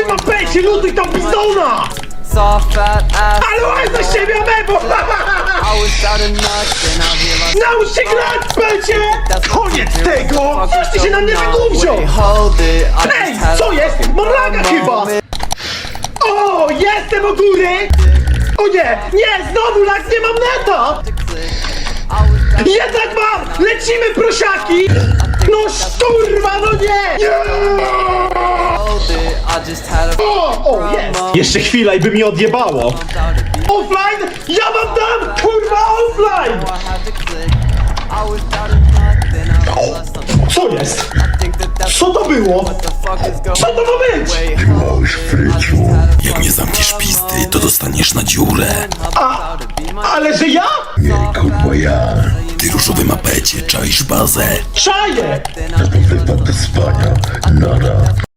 tym apecie, lutuj tam pizdona! Soft fat ass. Ale łaj za siebie, amebo! I was out of nuts and I realized Naucz się grać, pecie! Koniec tego! Coś ty się na mnie Wait, wygłówziął! hold it. I Ej, just had co a jest? Mam laga chyba! O, jestem u góry! O nie, nie, znowu lag, nie mam neta! Jednak mam! Lecimy, prosiaki! No szturma, no nie! Nie! hold it. I just had a O, jest! Jeszcze chwila i by mi odjebało! Offline? Ja mam tam, kurwa, offline! I had to click. I was out of nuts and I realized something. Co jest? I think that's Co to było? what the fuck is going Co to ma być? Wait, hold it. I just had a Jak nie zamkniesz pisty, to dostaniesz na dziurę. Ale że ja? Kurwa ja, Ty różowy mapecie, czaisz bazę. Czaję! wypad do spania, nara.